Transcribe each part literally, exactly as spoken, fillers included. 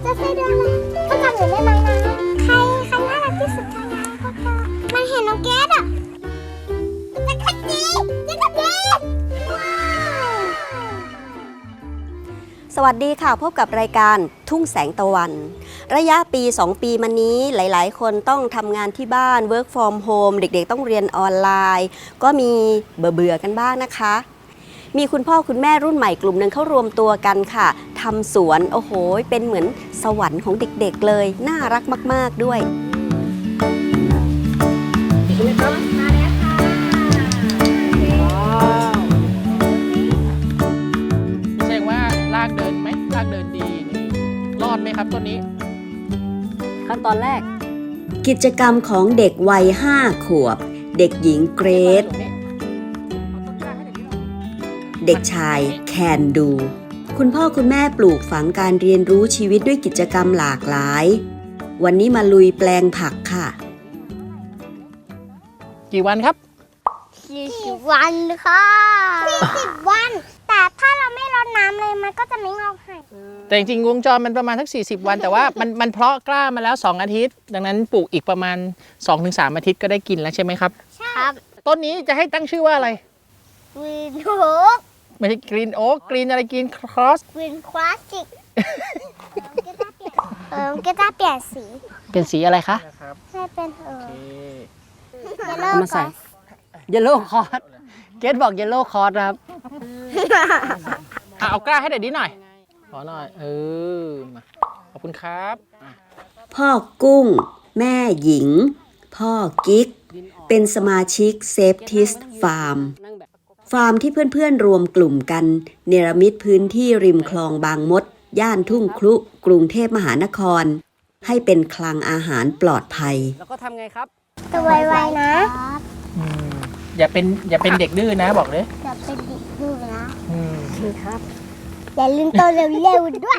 จะใช่เรื่องอะไรก็จำหนูได้ไหมนะใครใครน่ารักที่สุดคะนะพวกเธอมันเห็นน้องเกดอ่ะจะขัดจีจะขัดจีว้าวสวัสดีค่ะพบกับรายการทุ่งแสงตะวันระยะปีสองปีมานี้หลายๆคนต้องทำงานที่บ้าน work from home เด็กๆต้องเรียนออนไลน์ก็มีเบื่อๆกันบ้างนะคะมีคุณพ่อคุณแม่รุ่นใหม่กลุ่มหนึ่งเขารวมตัวกันค่ะทำสวนโอ้โหเป็นเหมือนสวรรค์ของเด็กๆเลยน่ารักมากๆด้วยแสดงว่าลากเดินไหมลากเดินดีนี่รอดไหมครับต้นนี้ขั้นตอนแรกกิจกรรมของเด็กวัยห้าขวบเด็กหญิงเกรซเด็กชายแคนดูคุณพ่อคุณแม่ปลูกฝังการเรียนรู้ชีวิตด้วยกิจกรรมหลากหลายวันนี้มาลุยแปลงผักค่ะกี่วันครับสี่สิบวันค่ะสี่สิบวันแต่ถ้าเราไม่รดน้ำเลยมันก็จะไม่งอกให้แต่จริงๆวงจรมันประมาณทั้งสี่สิบวันแต่ว่ามันมันเพาะกล้ามาแล้วสองอาทิตย์ดังนั้นปลูกอีกประมาณ สองถึงสาม อาทิตย์ก็ได้กินแล้วใช่ไหมครับใช่ครับต้นนี้จะให้ตั้งชื่อว่าอะไรกรีนโอ๊กไม่ใช่กรีนโอ๊กกรีนอะไรกรีนครอสกรีนคลาสสิกเออก็จะเปลี่ยนสีเป็นสีอะไรคะให้เป็นเออเยลโล่มาใส่เยลโล่คอร์สเกดบอกเยลโล่คอร์สครับเอากล้าให้เด็ดนิดหน่อยขอหน่อยเออมาขอบคุณครับพ่อกุ้งแม่หญิงพ่อกิ๊กเป็นสมาชิกเซฟทิสฟาร์มฟาร์มที่เพื่อนๆรวมกลุ่มกันเนรมิตพื้นที่ริมคลองบางมดย่านทุ่งครุกรุงเทพมหานครให้เป็นคลังอาหารปลอดภัยแล้วก็ทำไงครับตัวไวๆนะอย่าเป็นอย่าเป็นเด็กดื้อนะบอกเลยอย่าเป็นเด็กดื้อนะอืมครับอย่าลืมโตเร็วๆด้วย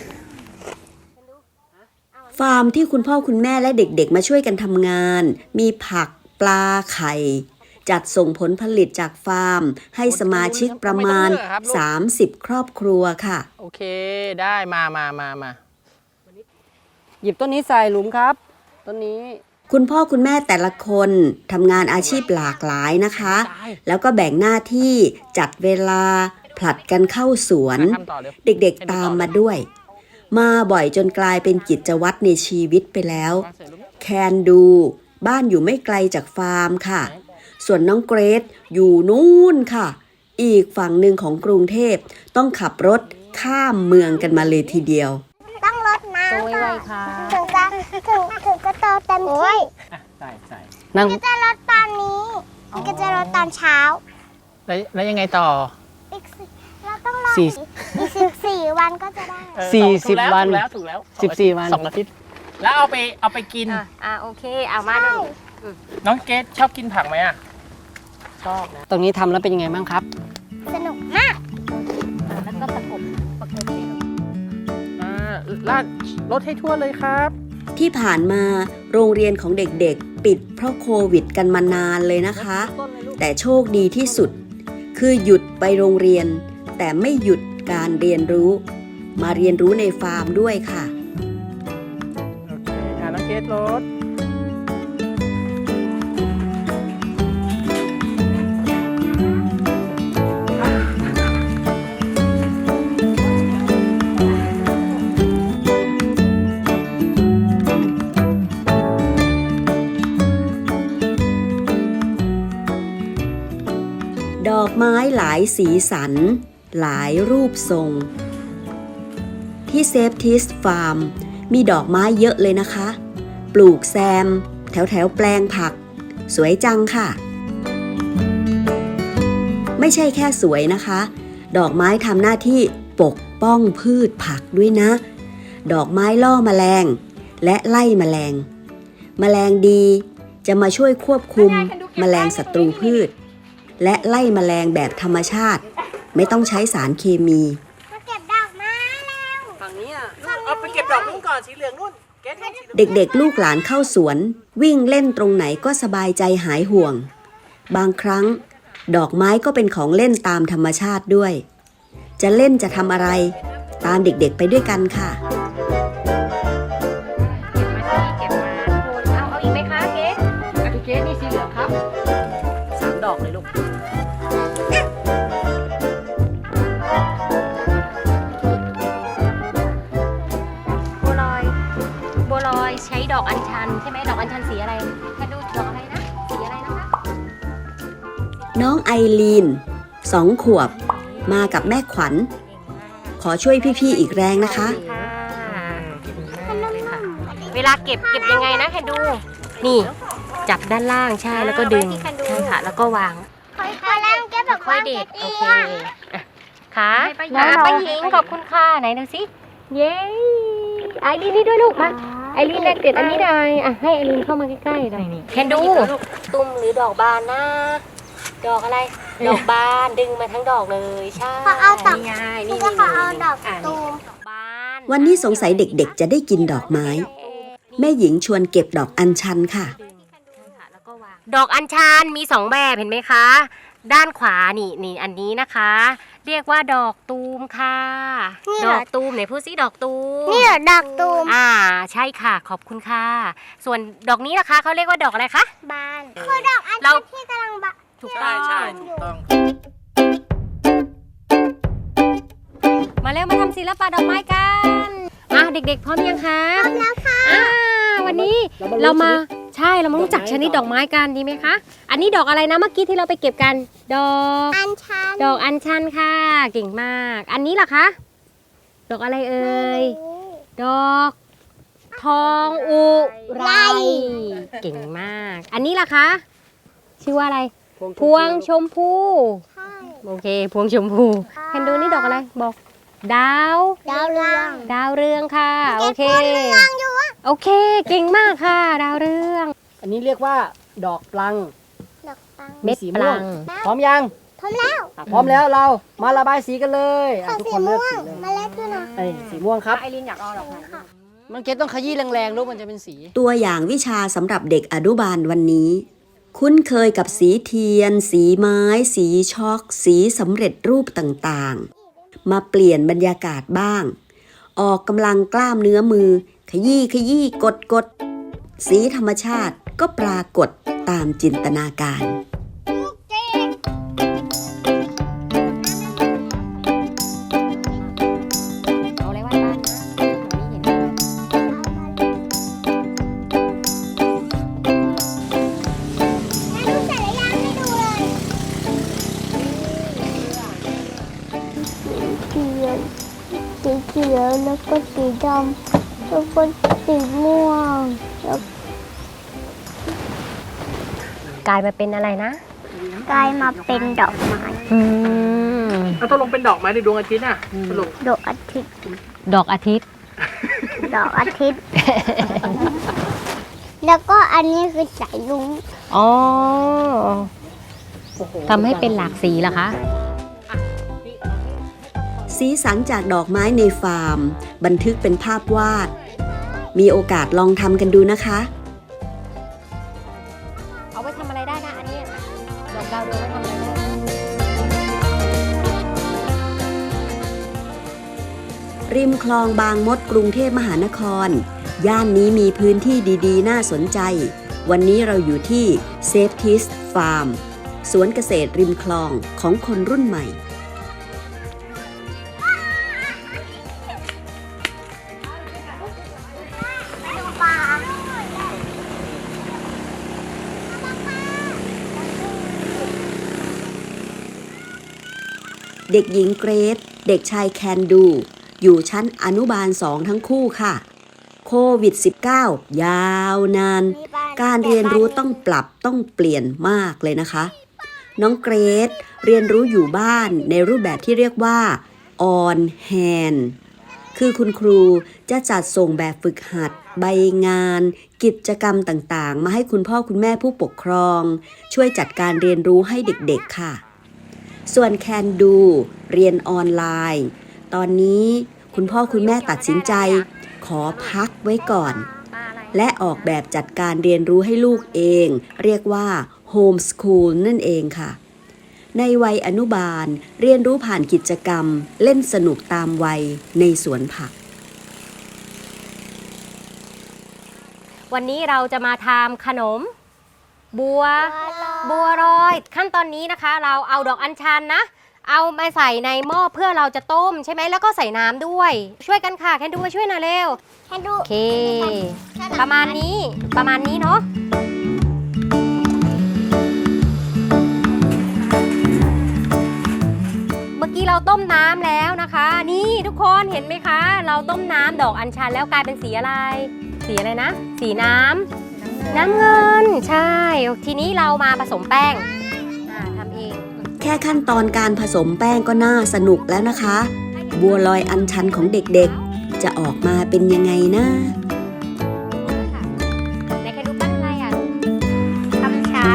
ฟาร์มที่คุณพ่อคุณแม่และเด็กๆมาช่วยกันทำงานมีผักปลาไข่จัดส่งผลผลิตจากฟาร์มให้สมาชิกประมาณสามสิบครอบครัวค่ะโอเคได้มามามามาหยิบต้นนี้ใส่หลุมครับต้นนี้คุณพ่อคุณแม่แต่ละคนทำงานอาชีพหลากหลายนะคะแล้วก็แบ่งหน้าที่จัดเวลาผลัดกันเข้าสวนเด็กๆตามมาด้วยมาบ่อยจนกลายเป็นกิจวัตรในชีวิตไปแล้วแคนดูบ้านอยู่ไม่ไกลจากฟาร์มค่ะส่วนน้องเกรซอยู่นู่นค่ะอีกฝั่งหนึ่งของกรุงเทพต้องขับรถข้ามเมืองกันมาเลยทีเดียวต้องรดน้ำก่อนถึงจะถึงถึงจะโตเต็มที่ใส่ใส่นั่งจะรดตอนนี้ก็จะรดตอนเช้าแล้วแล้วยังไงต่ออีกเราต้องรออีกสิบสี่วันก็จะได้สี่สิบวันถูกแล้วถูกแล้วสิบสี่วันสองอาทิตย์แล้วเอาไปเอาไปกินอ่าโอเคเอามาดูน้องเกดชอบกินผักไหมอ่ะชอบนะตรงนี้ทำแล้วเป็นยังไงบ้างครับสนุกมากแล้วก็ประกบประกบอ่าลาดรถให้ทั่วเลยครับที่ผ่านมาโรงเรียนของเด็กๆปิดเพราะโควิดกันมานานเลยนะคะแต่โชคดีที่สุดคือหยุดไปโรงเรียนแต่ไม่หยุดการเรียนรู้มาเรียนรู้ในฟาร์มด้วยค่ะโอเคอ่าน้องเกดรถดอกไม้หลายสีสันหลายรูปทรงที่เซฟทิสฟาร์มมีดอกไม้เยอะเลยนะคะปลูกแซมแถวแถวแปลงผักสวยจังค่ะไม่ใช่แค่สวยนะคะดอกไม้ทำหน้าที่ปกป้องพืชผักด้วยนะดอกไม้ล่อแมลงและไล่แมลงแมลงดีจะมาช่วยควบคุมแมลงศัตรูพืชและไล่แมลงแบบธรรมชาติไม่ต้องใช้สารเคมีมาเก็บดอกไม้แล้วฝั่งนี้อ่ะเอาไปเก็บดอกนู้นก่อนสีเหลืองนู่นเด็กๆลูกหลานเข้าสวนวิ่งเล่นตรงไหนก็สบายใจหายห่วงบางครั้งดอกไม้ก็เป็นของเล่นตามธรรมชาติด้วยจะเล่นจะทำอะไรตามเด็กๆไปด้วยกันค่ะบัวลอยบัวลอยใช้ดอกอัญชันใช่ไหมดอกอัญชันสีอะไรแค่ดูดอกอะไรนะสีอะไรนะคะน้องไอรีนสองขวบ มากับแม่ขวัญ ขอช่วยพี่ๆอีกแรงนะคะเวลาเก็บเก็บยังไงนะแคนดู นี่จับด้านล่างใช่แล้วก็ดึงใช่ค่ะแล้วก็วางค่อยๆแล้วแกแบบค่ว่าอยเด็ดจะโอดีเคอะอ่ะค่ะมาป้าหญิงขอบคุณค่ะไหนดูสิเย้ไอรีนนี่ด้วยลูกมาไอรีนแลกเด็ดอันนี้หน่อยอ่ะให้ไอรีนเข้ามาใกล้ๆหน่อยแคนดูตุ้มหรือดอกบานนะดอกอะไรดอกบานดึงมาทั้งดอกเลยใช่เขาเอาดอกนี่ไงนี่นี่ก็เขาเอาดอกอ่ะตูมดอกบานวันนี้สงสัยเด็กๆจะได้กินดอกไม้ แม่หญิงชวนเก็บดอกอัญชันค่ะดอกอัญชันมีสองแบบเห็นไหมคะ ด้านขวานี่นี่อันนี้นะคะ เรียกว่าดอกตูมค่ะ ดอกตูมไหนพูดซิดอกตูมนี่เหรอดอกตูมอ่าใช่ค่ะขอบคุณค่ะ ส่วนดอกนี้ล่ะคะเขาเรียกว่าดอกอะไรคะบานคือดอกอัญเราชันที่กำลังบานถูกต้องใช่ถูกต้องมาเร็วมาทำศิลปะดอกไม้กันอ่ะเด็กๆพร้อมยังคะพร้อมแล้วค่ะอ่าวันนี้เรามาใช่เรามารู้จักชนิดดอกไม้กันดีไหมคะอันนี้ดอกอะไรนะเมื่อกี้ที่เราไปเก็บกัน ดอกอัญชันดอกอัญชันค่ะเก่งมาก อันนี้ล่ะคะดอกอะไรเอ่ยดอกทองอุไรเก่งมาก อันนี้ล่ะคะชื่อว่าอะไรพวงชมพูใช่โอเคพวงชมพูแคนดูนี่ดอกอะไรบอกดาวดาวเรืองดาวเรืองค่ะโอเคเรืองอยู่อะโอเคเก่งมากค่ะ ดาวเรืองอันนี้เรียกว่าดอกปลังดอกปังเม็ดสีปม่วลังงพร้อมยังพร้อมแล้วอ่ะพร้อมแล้วเรามาระบายสีกันเลยอ่ะขอทุกสีคนเลืม่อกวงสีเลยมาเล็กขึ้นนะไอ้สีม่วงครับไอรินอยากเอาดอกไหนมันเก็ตต้องขยี้แรงๆลูกมันจะเป็นสีตัวอย่างวิชาสำหรับเด็กอนุบาลวันนี้ คุ้นเคยกับสีเทียน สีไม้ สีช็อก สีสำเร็จรูปต่างๆ มาเปลี่ยนบรรยากาศบ้าง ออกกำลังกล้ามเนื้อมือ ขยี้ขยี้กดกดสีธรรมชาติก็ปรากฏตามจินตนาการเอาอะไรไว้บ้านนะตรงนี้เห็นดูเสร็จแล้วยังไม่ดูเลยสีเขียวสีเขียวแล้วก็สีดำแล้วก็สีม่วงแล้วกลายมาเป็นอะไรนะกลายมาเป็นดอกไม้อืมแล้วตกลงเป็นดอกไม้ในดวงอาทิตย์น่ะสรุปดอกอาทิตย์ดอกอาทิตย์ดอกอาทิตย์ แล้วก็อันนี้คือสายลุงอ๋อทำให้เป็นหลากสีเหรอคะสีสันจากดอกไม้ในฟาร์ม บันทึกเป็นภาพวาด มีโอกาสลองทำกันดูนะคะเอาไว้ทำอะไรได้นะอันนี้ดอกดาวเรืองไว้ทำอะไรได้ริมคลองบางมดกรุงเทพมหานคร ย่านนี้มีพื้นที่ดีๆ น่าสนใจ วันนี้เราอยู่ที่ Safeties Farm สวนเกษตรริมคลองของคนรุ่นใหม่ปลาเด็กหญิงเกรซเด็กชายแคนดู อยู่ชั้นอนุบาลสองทั้งคู่ค่ะ โควิด สิบเก้า ยาวนาน การเรียนรู้ต้องปรับต้องเปลี่ยนมากเลยนะคะ น้องเกรซเรียนรู้อยู่บ้านในรูปแบบที่เรียกว่า on hand คือคุณครูจะจัดส่งแบบฝึกหัด ใบงาน กิจกรรมต่างๆ มาให้คุณพ่อคุณแม่ผู้ปกครอง ช่วยจัดการเรียนรู้ให้เด็กๆค่ะ ส่วนแคนดูเรียนออนไลน์ ตอนนี้คุณพ่อคุณแม่ตัดสินใจ ขอพักไว้ก่อน และออกแบบจัดการเรียนรู้ให้ลูกเอง เรียกว่าโฮมสคูลนั่นเองค่ะ ในวัยอนุบาลเรียนรู้ผ่านกิจกรรม เล่นสนุกตามวัยในสวนผักวันนี้เราจะมาทำขนม บัวบัวลอยขั้นตอนนี้นะคะ เราเอาดอกอัญชันนะเอามาใส่ในหม้อเพื่อเราจะต้มใช่ไหมแล้วก็ใส่น้ำด้วยช่วยกันค่ะแคนดูมาช่วยหน่อยเร็วแคนดูโอเค ประมาณนี้ประมาณนี้เนาะเมื่อกี้เราต้มน้ำแล้วนะคะ นี่ทุกคนเห็นไหมคะ เราต้มน้ำดอกอัญชันแล้วกลายเป็นสีอะไร สีอะไรนะ สีน้ำน้ำเงินใช่ทีนี้เรามาผสมแป้งอ่าทำเองแค่ขั้นตอนการผสมแป้งก็น่าสนุกแล้วนะคะ บัวลอยอัญชันของเด็กๆจะออกมาเป็นยังไงนะไหนใครดูปั้นอะไรอ่ะทำช้าง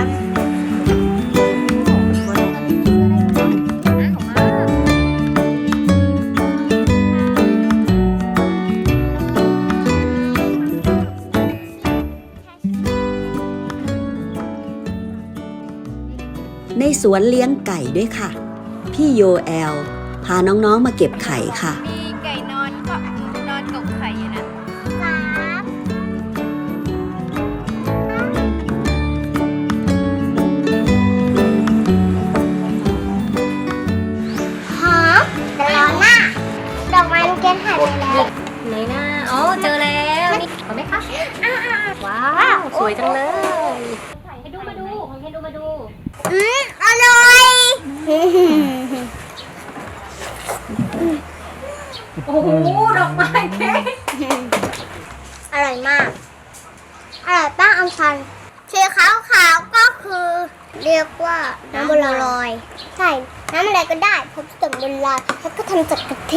ในสวนเลี้ยงไก่ด้วยค่ะ พี่โยแอลพาน้องๆมาเก็บไข่ค่ะมีไก่นอนก็นอนกบไข่อยู่นะสามหอมแต่ร้อนหน้าดอกไม้ลูกเกดหายไปแล้วไหนหน้าอ๋อเจอแล้วนี่เห็นไหมคะว้าว สวยจังเลยให้ดูมาดูให้ดูมาดูอืมอร่อยโอ้โห ดอกไม้เค้กอร่อยมาก อร่อยป้าอัญชันสีขาวขาวๆก็คือ เรียกว่าน้ำบัวลอย ใช่ น้ำอะไรก็ได้ผสมบัวลอยแล้วก็ทำจากกะทิ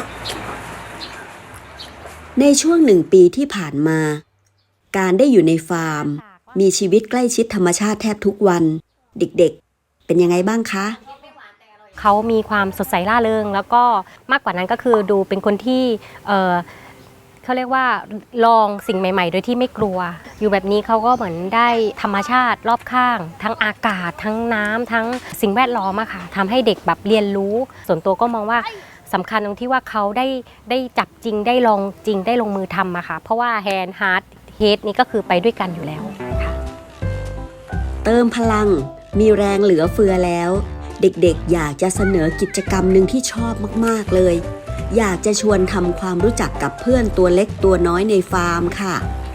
ในช่วงหนึ่งปีที่ผ่านมา การได้อยู่ในฟาร์ม มีชีวิตใกล้ชิดธรรมชาติแทบทุกวัน เด็กๆ เป็นยังไงบ้างคะเขามีความสดใสร่าเริงแล้วก็มากกว่านั้นก็คือดูเป็นคนที่เอ่อเขาเรียกว่าลองสิ่งใหม่ๆ โดยที่ไม่กลัว อยู่แบบนี้เขาก็เหมือนได้ธรรมชาติรอบข้าง ทั้งอากาศทั้งน้ำทั้งสิ่งแวดล้อมอะค่ะทำให้เด็กแบบเรียนรู้ ส่วนตัวก็มองว่าสำคัญตรงที่ว่าเขาได้ได้จับจริงได้ลองจริงได้ลงมือทำอะค่ะเพราะว่าแฮนด์ฮาร์ดเฮดนี่ก็คือไปด้วยกันอยู่แล้วค่ะเติมพลัง มีแรงเหลือเฟือแล้ว เด็กๆ อยากจะเสนอกิจกรรมหนึ่งที่ชอบมากๆเลย อยากจะชวนทำความรู้จักกับเพื่อนตัวเล็กตัวน้อยในฟาร์มค่ะ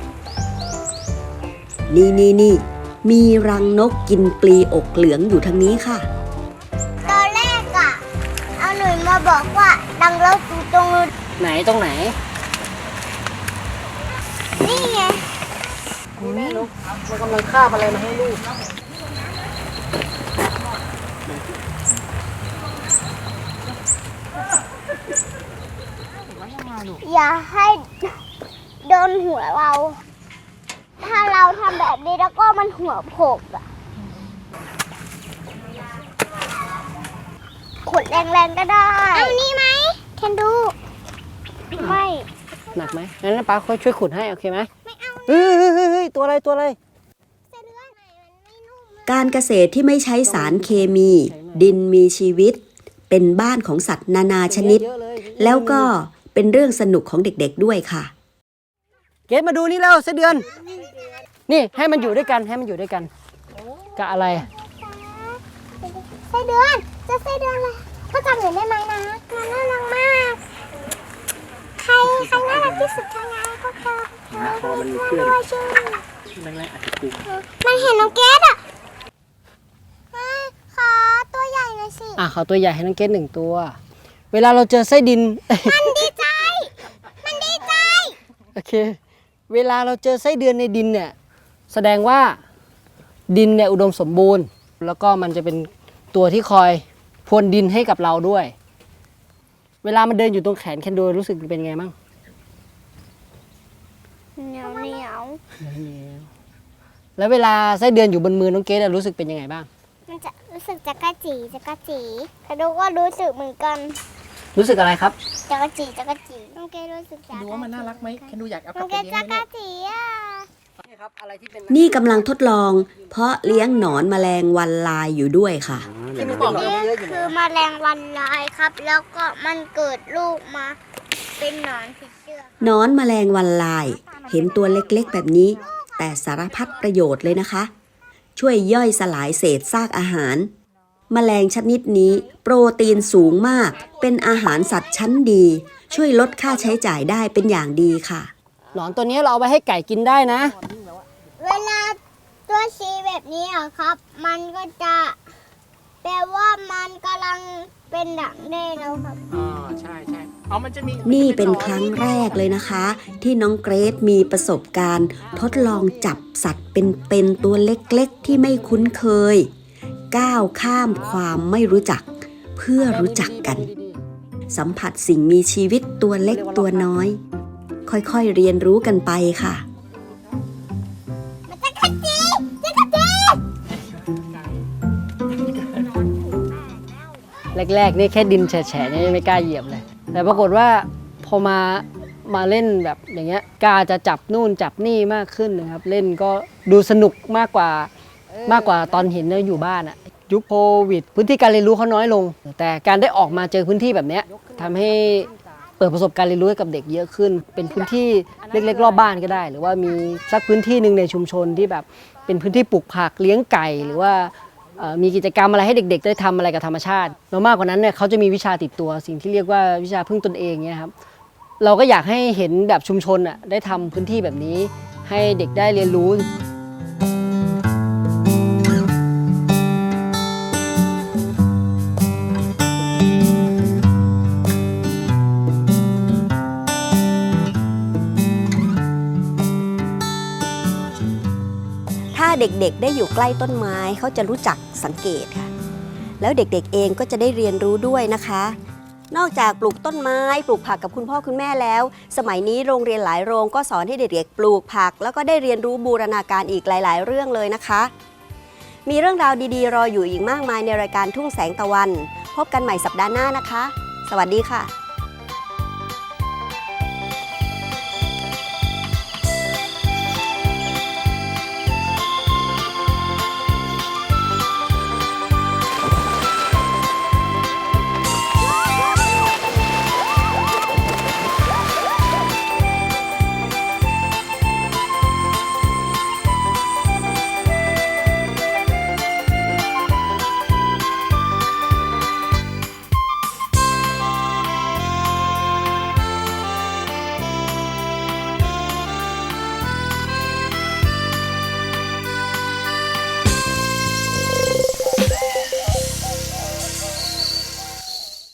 นี่นี่นี่มีรังนกกินปลีอกเหลืองอยู่ทางนี้ค่ะตอนแรกอะเอาหนุ่ยมาบอกว่าดังเราอยู่ตรงนู้นไหนตรงไหนนี่ไงแม่ลูกมันกำลังคาบอะไรมาให้ลูกอย่าให้โดนหัวเรา ถ้าเราทำแบบนี้แล้วก็มันหัวโผล่อะขุดแรงๆก็ได้ เอานี่ไหมแคนดู ไม่หนักไหมงั้นป้าค่อยช่วยขุดให้โอเคไหมไม่เอาเฮ้ยเฮ้ยเฮ้ยเฮ้ยตัวอะไรตัวอะไรการเกษตรที่ไม่ใช้สารเคมี ดินมีชีวิต เป็นบ้านของสัตว์นานาชนิดเยอะเลยแล้วก็เป็นเรื่องสนุกของเด็กๆด้วยค่ะเกดมาดูนี่แล้วไส้เดือน นี่ให้มันอยู่ด้วยกันให้มันอยู่ด้วยกันกะอะไรไส้เดือนจะไส้เดือนอะไรพ่อจำหนูได้ไหมนะมันน่ารักมาก ใครใครน่ารักที่สุดทางไงก็เธอพอมันมีเพื่อนชื่อมันเห็นน้องเกดอ่ะเฮ้ยขอตัวใหญ่หน่อยสิอ่ะขอตัวใหญ่ให้น้องเกดหนึ่งตัว เวลาเราเจอไส้ดินมันดีใจ มันดีใจโอเค เวลาเราเจอไส้เดือนในดินเนี่ย แสดงว่าดินเนี่ยอุดมสมบูรณ์ แล้วก็มันจะเป็นตัวที่คอยพรวนดินให้กับเราด้วย เวลามันเดินอยู่ตรงแขนแคนดูรู้สึกเป็นไงบ้างเหนียวเหนียวแล้วเวลาไส้เดือนอยู่บนมือน้องเกดรู้สึกเป็นยังไงบ้างมันจะรู้สึกจักระจีจักระจีกระดูก็รู้สึกเหมือนกันรู้สึกอะไรครับจักระจีจักระจีน้องเกดรู้สึกจักระจีดูว่ามันน่ารักไหมแคนดูอยากเอากน้ลัอบ งไปเกดเลี้ยงจัไหมกระจีอ่ะนี่กำลังทดลอง เพราะเลี้ยงหนอนแมลงวันลายอยู่ด้วยค่ะที่มึงบอกนี่คือแมลงวันลายครับ แล้วก็มันเกิดลูกมา เป็นหนอนผีเสื้อหนอนแมลงวันลาย เห็นตัวเล็กๆแบบนี้ แต่สารพัดประโยชน์เลยนะคะช่วยย่อยสลายเศษซากอาหาร แมลงชนิดนี้โปรตีนสูงมากเป็นอาหารสัตว์ชั้นดี ช่วยลดค่าใช้จ่ายได้เป็นอย่างดีค่ะหนอนตัวนี้เราเอาไปให้ไก่กินได้นะเวลาตัวชีแบบนี้อะครับ มันก็จะแปลว่ามันกำลังเป็นดักแด้แล้วครับอ๋อใช่ใช่เอามันจะมีนี่เป็นครั้งแรกเลยนะคะ ที่น้องเกรซมีประสบการณ์ ทดลองจับสัตว์เป็นๆตัวเล็กๆที่ไม่คุ้นเคย ก้าวข้ามความไม่รู้จัก เพื่อรู้จักกัน สัมผัสสิ่งมีชีวิตตัวเล็กตัวน้อย ค่อยๆเรียนรู้กันไปค่ะมันจะขัดจีจะขัดจีแรกๆนี่แค่ดินแฉะๆเนี่ยยังไม่กล้าเหยียบเลย แต่ปรากฏว่าพอมามาเล่นแบบอย่างเงี้ยกล้าจะจับนู่นจับนี่มากขึ้นนะครับ เล่นก็ดูสนุกมากกว่ามากกว่าตอนเห็นเราอยู่บ้านอะยุคโควิด พื้นที่การเรียนรู้เขาน้อยลง แต่การได้ออกมาเจอพื้นที่แบบเนี้ยทำให้เปิดประสบการณ์เรียนรู้ให้กับเด็กเยอะขึ้น เป็นพื้นที่เล็กๆรอบบ้านก็ได้ หรือว่ามีสักพื้นที่หนึ่งในชุมชนที่แบบเป็นพื้นที่ปลูกผักเลี้ยงไก่หรือว่าเอ่อมีกิจกรรมอะไรให้เด็กๆได้ทำอะไรกับธรรมชาติแล้วมากกว่านั้นเนี่ยเขาจะมีวิชาติดตัวสิ่งที่เรียกว่าวิชาพึ่งตนเองเนี่ยครับเราก็อยากให้เห็นแบบชุมชนอ่ะได้ทำพื้นที่แบบนี้ให้เด็กได้เรียนรู้ถ้าเด็กๆได้อยู่ใกล้ต้นไม้เขาจะรู้จักสังเกตค่ะ แล้วเด็กๆเองก็จะได้เรียนรู้ด้วยนะคะ นอกจากปลูกต้นไม้ปลูกผักกับคุณพ่อคุณแม่แล้ว สมัยนี้โรงเรียนหลายโรงก็สอนให้เด็กๆปลูกผัก แล้วก็ได้เรียนรู้บูรณาการอีกหลายๆเรื่องเลยนะคะ มีเรื่องราวดีๆรออยู่อีกมากมายในรายการทุ่งแสงตะวัน พบกันใหม่สัปดาห์หน้านะคะ สวัสดีค่ะ